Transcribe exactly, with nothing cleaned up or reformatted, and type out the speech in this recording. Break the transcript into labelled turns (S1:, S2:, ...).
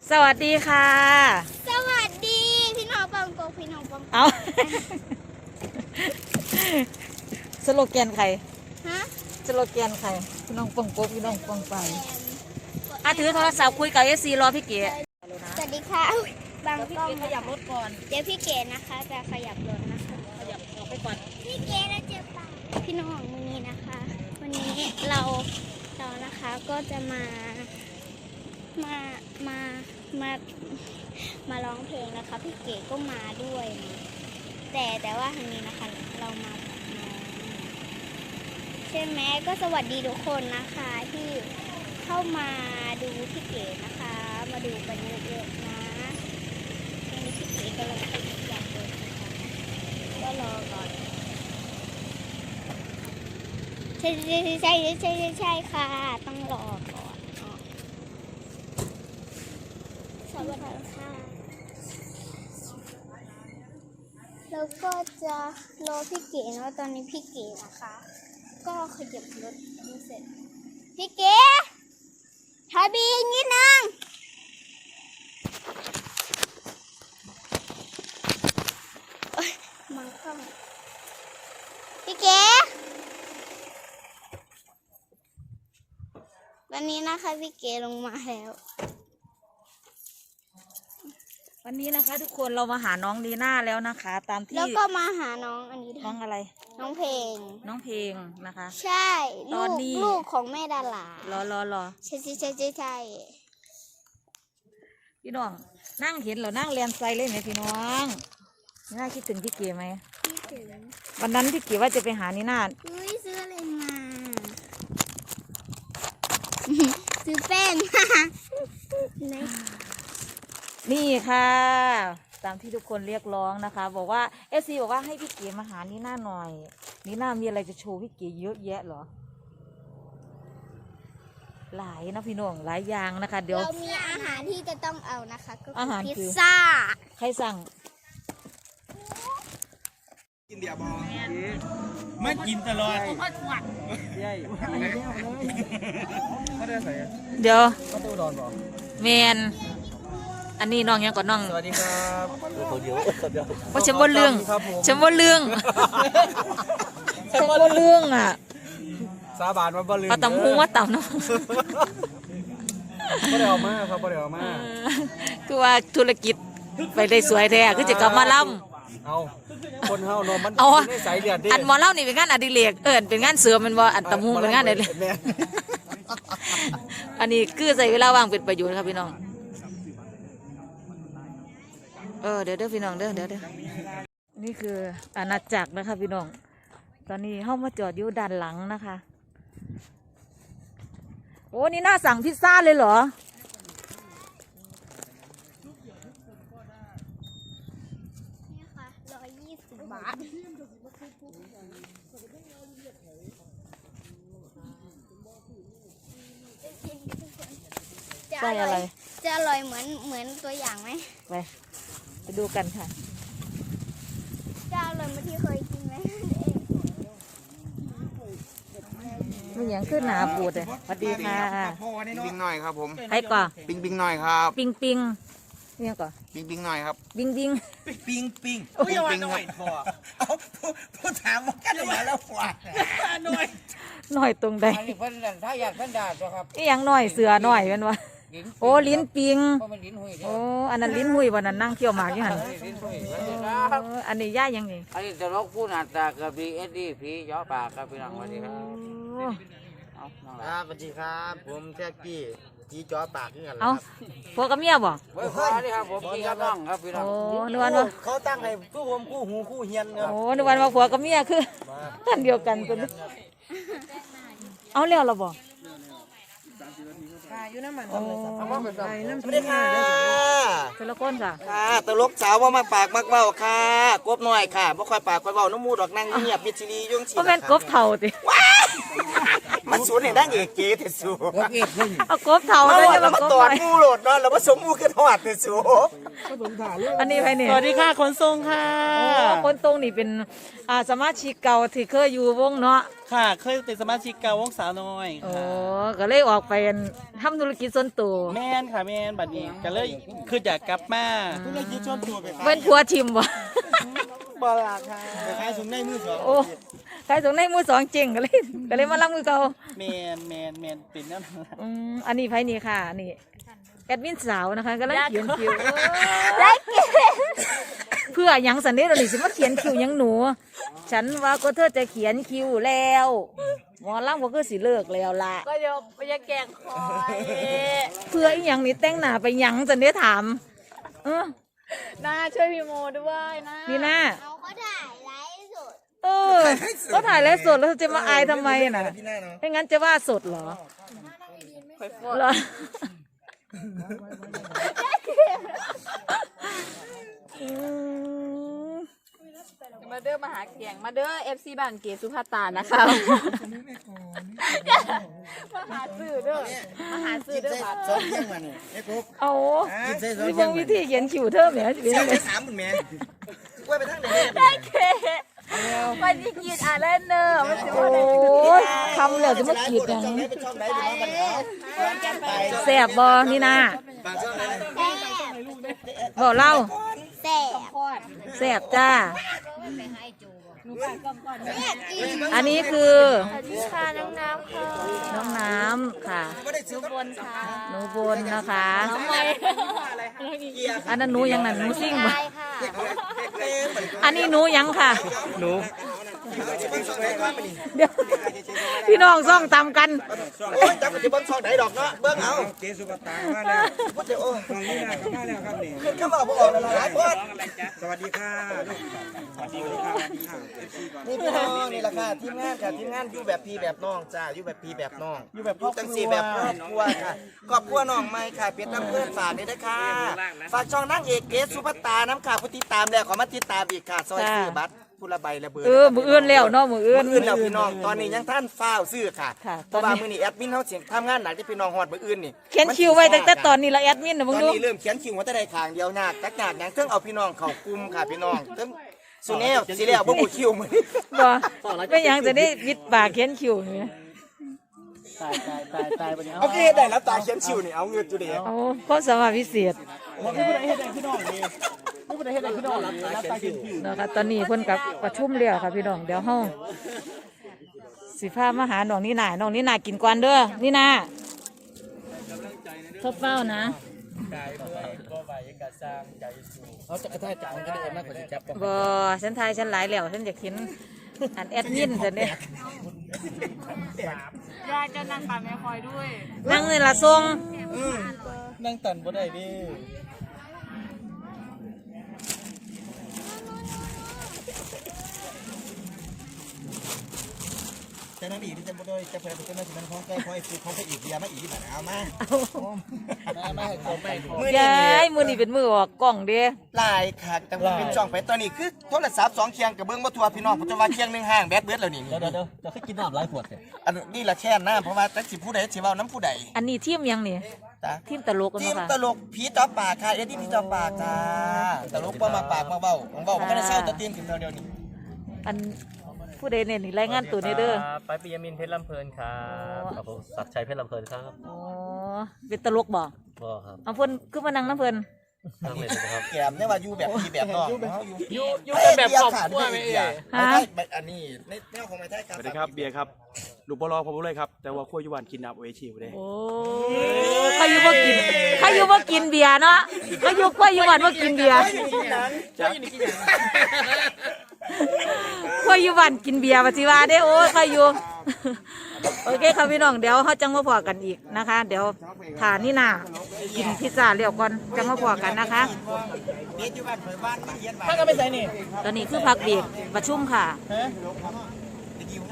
S1: สวัสดีค่ะ
S2: สวัสดีพี่น้องปังโกพี่น้องปัง
S1: เอาสโลแกนใคร
S2: ฮะ
S1: สโลแกนใครพี่น้องปังโกพี่น้องปังไปอ่ะถือโทรศัพท์คุยกับเอซีรอพี่เก๋
S2: สวัสดีค่ะบาง
S1: พี่
S2: กล้อง
S1: เก๋ขยับรถก่อน
S2: เดี๋ยวพี่เก๋นะคะจะขยับรถนะคะ
S1: ขยับออกไปก่อน
S2: พี่เก๋เราเจอปลาพี่น้องวันนี้นะคะ วันนี้เราเรานะคะก็จะมามามามามาร้องเพลงนะคะพี่เก๋ก็มาด้วยนะแต่แต่ว่าทางนี้นะคะเรามากับน้องใช่ไหมก็สวัสดีทุกคนนะคะที่เข้ามาดูพี่เก๋นะคะ มาดูกันเยอะๆนะตอนนี้พี่เก๋กำลังขยับเลยนะคะก็รอก่อนใช่ใช่ใช่ใช่ใช่ใช่ค่ะต้องรอก่อนสวัสดีค่ะแล้วก็จะรอพี่เก๋นะตอนนี้พี่เก๋นะคะ ก็ขยับรถไม่เสร็จพี่เก๋ถอยบีนิดนึงมังค่อมพี่เก๋วันนี้นะคะพี่เก๋ลงมาแล้ว
S1: วันนี้นะคะทุกคนเรามาหาน้องลีน่าแล้วนะคะ ตามที่
S2: แล้วก็มาหาน้องอันนี้
S1: น้องอะไร
S2: น้องเพลง
S1: น้องเพลงนะคะ
S2: ใช่ตอนนี้ลูกของแม่ดาราร
S1: อรอรอ
S2: ใช่ใช่ใช่ใช่ใช่
S1: พี่น้องนั่งเห็นเหรอนั่งเรียนไซเล่นไหมพี่น้องนี่น่าคิดถึงพี่เก๋ไหม
S2: คิดถึง
S1: วันนั้นพี่เก๋ว่าจะไปหานี่นา
S2: อุ้ยซื้ออะไรมาซื้อแป้ง
S1: นี่ค่ะตามที่ทุกคนเรียกร้องนะคะบอกว่าเอฟซีบอกว่าให้พี่เก๋มาหานี่นาหน่อยนี่นามีอะไรจะโชว์พี่เก๋เยอะแยะเหรอหลายนะพี่น้องหลายอย่างนะคะเดี๋ยว
S2: เรามีอาหารที่จะต้องเอานะคะก็
S1: อาหาร
S2: คือพิซ
S1: คือ
S2: ซ่า
S1: ใครสั่ง
S3: กินเดียบอไม่กินตลอด
S1: เดี๋ยว
S3: ก็ตูดอนบอ
S1: แมนอันนี้น้องยังก่อนน้อง
S3: สวัสดีครับตัวเดียวตัวเดียว
S1: เพราะฉันว่าเรื่องฉันว่าเรื่องฉันว่าเรื่องอ่ะ
S3: สาบานว่าบ่ลืม
S1: ปลาตำหูว่าตำเนาะ
S3: บ่ได้เอามาครับบ่ได้เอามา
S1: คือว่าธุรกิจไปได้สวยแท้คือจะกลับมาล่
S3: ำเอาคนเฮาเนาะมัน
S1: ใน
S3: สายเลือดดิ
S1: อันหมอเล่านี่เป็นงานอดิเรกเอิญเป็นงานเสริมมันว่าอันตำหูเป็นงานอะไรเลยอันนี้คือใส่เวลาว่างเป็นประโยชน์ครับพี่น้องเออเดี๋ยวเด้อพี่น้องเด้อเดี๋ยวเด้อนี่คืออาณาจักรนะคะพี่น้องตอนนี้เข้ามาจอดอยู่ด้านหลังนะคะโอ้นี่น่าสั่งพิซซ่าเลยเหรอ
S2: นี่ค่ะร้อยยี่สิบบาท
S1: ใส่อะไร
S2: จะอร่อยเหมือนเหมือนตัวอย่างไหม
S1: ไปไปดูกันค่ะ
S2: จะอร่อยเหมือนที่เคยกินไหม
S1: มันยังขึ้นหนาปูดเลยสวัสดีค่ะ
S3: ปิงหน่อยครับผม
S1: ใครก่อน
S3: ปิงปิงหน่อยครับ
S1: ปิงปิงนี่ยังก่อน
S3: ปิงปิงหน่อยครับ
S1: ปิงปิง
S3: ปิงปิงปิงปิงหน่อยพอเอาพูดถามว่ากันมาแล้วกว่าหน่อย
S1: หน่อยตรงใด
S4: อันนี้เพิ่นถ้าอยากเพิ่นด่าตัวครับ
S1: นี่ยังหน่อยเสือหน่อยเป็นวะโอ้ลิ้นปิงโอ้อันนั้นลิ้นหุยวันนั้นนั่งเคี่ยวหมากอยู่หันอันนี้ย่ายังไง
S4: อันนี้ตลกผู้หน้าตากับบีเอสดีผีย้อปากครับพี่น้องสวัสดีครับ
S3: ครับสวัสดีครับผมแท็กกี้จีจ้อปากนี่กัน
S1: เอาพวกกับเมียบ่
S4: เฮ้ยสวัสดีครับผมพี่กับน้องครับพี่น้อง
S1: โอ้นึกว่า
S3: เขาตั้งให้คู่ผมคู่หูคู่เฮียนครับ
S1: โอ้นึกว่าพวกกับเมียคือท่านเดียวกันกันเอาเลี้ยวเราบ่
S3: อยู่น้ำมันสวัสดีค่ะ
S1: ตลกก้นค่ะ
S3: ค่ะตลกสาวว่ามาปากมักเบ้าค่ะกบหน่อยค่ะบ่ค่อยปากค่อยเบ้าน้ำมูดอกนั่งเงียบมิดซีรียุ่งฉีด
S1: ก็เป็นกบเท่าติ
S3: มันสูนย์เนี่ยนั่งเอกเก๋เถสู
S4: ว่าเอ็ดขึ้น
S1: เอากบเท่า
S3: เรา
S1: เลย
S3: อะ
S1: จะ
S3: เรา
S1: มา
S3: มา
S1: กบ
S3: ตอด
S1: ไป
S3: มูโหลดเนาะเรามาสมมูขึ้นหอดเถสู
S1: อันนี้ไปเนี่ย
S5: สวัสดีค่ะขนส่งค่ะ
S1: โอ้คนตรงนี่เป็นอ่าสมาชิกเก่าที่เคยอยู่วงเนาะ
S5: ค่ะ เคยเป็นสมาชิกเก่าวงสาวน้อย
S1: โอ้
S5: ค่ะ
S1: ก็เลยออกไปทำธุรกิจส่วนตัว
S5: แม่นค่ะแม่นบัดนี้ก็เลยคืออยากกลับมา
S3: ธุรกิจชวนตัวไป
S1: เป็นผัวทิมวะ
S5: บลาค่ะ
S3: ขายสูงในมือสอง
S1: โอ้ใครส่งในมือสองจริงก็เลยก็เลยมารับมือเก่า
S5: แมนแมนแมนเป็นนั่นล่ะ
S1: อืมอันนี้ไผนี่ค่ะนี่แอดมินสาวนะคะก็เลยเขียนคิวเพื่อหยังสันนี้เราหนิสิมาเขียนคิวหยังหนู ฉันว่าก็เธอจะเขียนคิวแล้วหมอล่ำก็คือสิเลิกแล้วล่ะ
S6: ก็เดี๋ยวไปจะแกล้งคอย
S1: เพื่ออีหยังนี่แต่งหน้าไปหยังสันนี้ถามเออ
S6: น้าช่วยพี่โมด้วยนะ
S1: นี่นะ
S2: เขาก็ถ่ายไลฟ์สด
S1: เออก็ถ่ายแล้วสดแล้วจะมาอายทำไมน่ะ
S3: พี่หน้าเนาะ
S1: ไม่งั้นจะว่าสดเหรอเหรออืม
S6: มาเด้อมาหาเกียงมาเด้อเอฟซีบ้านเกสุภาตานะคะ มาหาซื้อเด้อมาหาซื้อ
S3: กิน
S6: เด้อ
S3: ใส่
S6: ค่ะ
S3: สองเที่ยงมาเนี่ยไอ้กุ๊ก
S1: เอา
S3: กินใส่สอง
S1: ที่
S3: เที่
S1: เบิ่
S3: ย
S1: ง
S3: ง
S1: วิธีเขียนคิวเทิมเนี่ยจะเป็น
S3: เที่ย
S1: ยัง งไง
S3: ไปสามหมื่นแม่กล้วยไปทางไหน
S6: มันจะกินอ่ะเล่นเนอร์มันจะ
S1: โอ้ยคำแล้วจะมาขีดหยัง
S3: ช่องไหนเป็นช่องไหนเป็นน้องบันเขา
S1: แสบบอนี่นะ
S3: บางช่องไหน
S1: บอกเล่า
S2: แซ่บ
S1: แสบจ้า อันนี้คือ
S6: ค่ะน้องน้ำค่ะ
S1: น้องน้ำค่ะ
S3: ไม่ได้ซื้อบ
S6: นค่ะ
S1: หนูบนนะคะ
S6: ทำไม
S1: อันนั้นหนูยังนั่นหนูซิ่งบ่
S2: ใช่ค่ะ
S1: อันนี้หนูยังค่ะ
S5: หนู
S1: เดี๋ยวพี่น้องซ่องตามกัน
S3: โอ้ยจับกับที่เบิ้งช่องไหนดอกเนาะเบิ้งเอา
S7: เจสุปตามาแล้ว
S3: พูดเดี๋ยวโอ้ย
S7: ตรงนี้นะมาแล้วครับนี่
S3: ขึ้นเข้ามาบอกออกเลยหลายคน
S7: สวัสดีค่ะลูกสวัสดีค่ะสวัสดีค่ะเอฟซีก่อน
S3: นี่พี่น้องนี่แหละค่ะทีมงานค่ะทีมงานอยู่แบบพี่แบบน้องจ้าอยู่แบบพี่แบบน้อง
S5: อยู่แบบครอบค
S3: จัง
S5: รั
S3: สี
S5: ว
S3: แบบครอบครัวค่ะครอบครัวน้องไม่ค่ะเป็นน้ำเพื่อนฝากนี่นะคะฝากช่องนางเอกเกสสุภัตตาน้ำค่ะผู้ติดตามแล้วขอมาติดตามอีกค่ะซอยซื้อบัตรผู้ละใบละเบอร์
S1: เออมืออื่นแล้วเนาะมืออื่น
S3: มืออื่นแล้วพี่น้องตอนนี้ยังท่านฟ้าวซื้อค่ะ
S1: ค่ะ
S3: เพราะว่ามือนี้แอดมินเขาเสียงทำงานหนักที่พี่น้องฮอดมืออื่นนี่
S1: เขียนคิวไว้ตั้งแต่ตอนนี้ละแอดมินนะ
S3: ต
S1: มึ
S3: อง น
S1: ดู
S3: นี้เริ่มเขียนคิวว่าจะได้ขางเดียวหนักจักหนักอย่างเครื่องเอาพี่น้องเข้ากลุ่มค่ะพี่น้องเครื่องสุเนลสิแล้วบ่บุคิวมือนี้
S1: บ่ไม่ยังจะได้วิดปากเขียนคิวนี่
S5: ตายตายตายตายบัดนี้
S3: โอเคได้แล้วตาเขียนคิวนี่เอาเงินจุเดียว
S1: เอาความสามารถพิเศษ
S5: ผมไม่ได้เฮ็ดให้พี่น้องนี่ไม่ได้เฮ็ดให้พี่น้องนี่รับตากินผิว
S1: นะคะตอนนี้เพิ่นกับประชุมแล้วค่ะพี่น้องเดี๋ยวเฮาสิพามาหาน้องนี่นาน้องนี่นากินก่อนเด้อนี่นาทบเฝ้านะ
S4: เขาจะกระแทกจังก็ได้มากกว่าจะจับ
S1: บ่ฉันทายฉันหลายแล้วฉันอยากเห็นอันแอดมินฉันเนี่ย
S6: ยายจะนั่งปากแม่คอยด้วย
S1: นั่งนี่ละทรง
S5: นั่งตันบ่ได้ดิ
S3: แต่นั่นอีกที่จะบ่ได้จะเพิ่นเป็นนั่นของใกล้ของไอ้ฟูของไปอีกเดียมาอีกบัดเอามา
S5: มามาให้ผมไม่ผม
S3: มื้อ
S1: ย้
S3: นี้
S1: ายมือนี่เป็นมือออกกล้องเด้
S3: หลายค่ะแต่ว่าเป็นช่องไปตอนนี้คือโทรศัพท์สองเคียงกับเบิ่งบ่ทั่วพี่น้องผมจะว่าเคียงหนึงห่างแบตเบิดแล้วนี่
S5: เดี๋ยวเดี๋ยวเดี๋ยวจะให้กินน้ำหลายขวดเลย
S3: อันนี้ละแค่นนะเพราะว่าจักสิผู้ใดสิเว้านํผู้ใด
S1: อันนี้ทีมยังนี่
S3: จ้ะ
S1: ทีมตลกกัน
S3: ที
S1: บ่
S3: ม
S1: ค่ะ
S3: ตลกผีจอปากค่ะเอ็ดดี้ผีจอปากจ้าตลกบ่มาปากมาเว้าผมเว้าบ่ก็ได้เศร้าแต่ตีมขึ้นเดียวนี้
S1: อันผู้ใดเนี่ยนี่รายงานตัวนี่เด้อ
S8: ไปปิยมินเพชรลำเพลินครับครับผมศักดิ์ชัยเพชรลำเพลินครับ
S1: อ๋อเป็นตลกบ่
S8: ก็ครับ
S1: เอาเพิ่นคือมานั่งน้ำเพิ่น
S8: ทั้งเลยนะครับ
S3: แกมเนี่ยว่าอยู่แบบพี่แบบน้องเฮาอยู่
S8: อยู่อยู่กันแบบครอบครัวไหมเอ่ย
S3: ไม่ใช่อันนี้ในแนวของไม้ไทยครับ
S7: สวัสดีครับเบียร์ครับลูกบอลผมเลยครับแต่ว่าขั้วยุวันกินน้ำโอเอชิวเลย
S1: โอ้เขาอยู่บ่กินเขาอยู่บ่กินเบียร์เนาะเขาอยู่ก็อยู่บ้านบ่กินเบียร์ก็อยู่บ้านกินเบียร์ว่าสิว่าเด้โอ้ยเขาอยู่ โอเคครับพี่น้องเดี๋ยวเขาจังมาพอกันอีกนะคะ เดี๋ยวทานนี่นากินพิซซ่าเรียวก่อนจังมาพอกันนะคะ
S3: เบียร์อยู่บ้านเผยบ้านมาเฮียนบ้าน
S5: ถ้าก็ไม่ใส่นี่
S1: ตอนนี้คือพักเบรกประชุมค่ะ
S5: ฮะ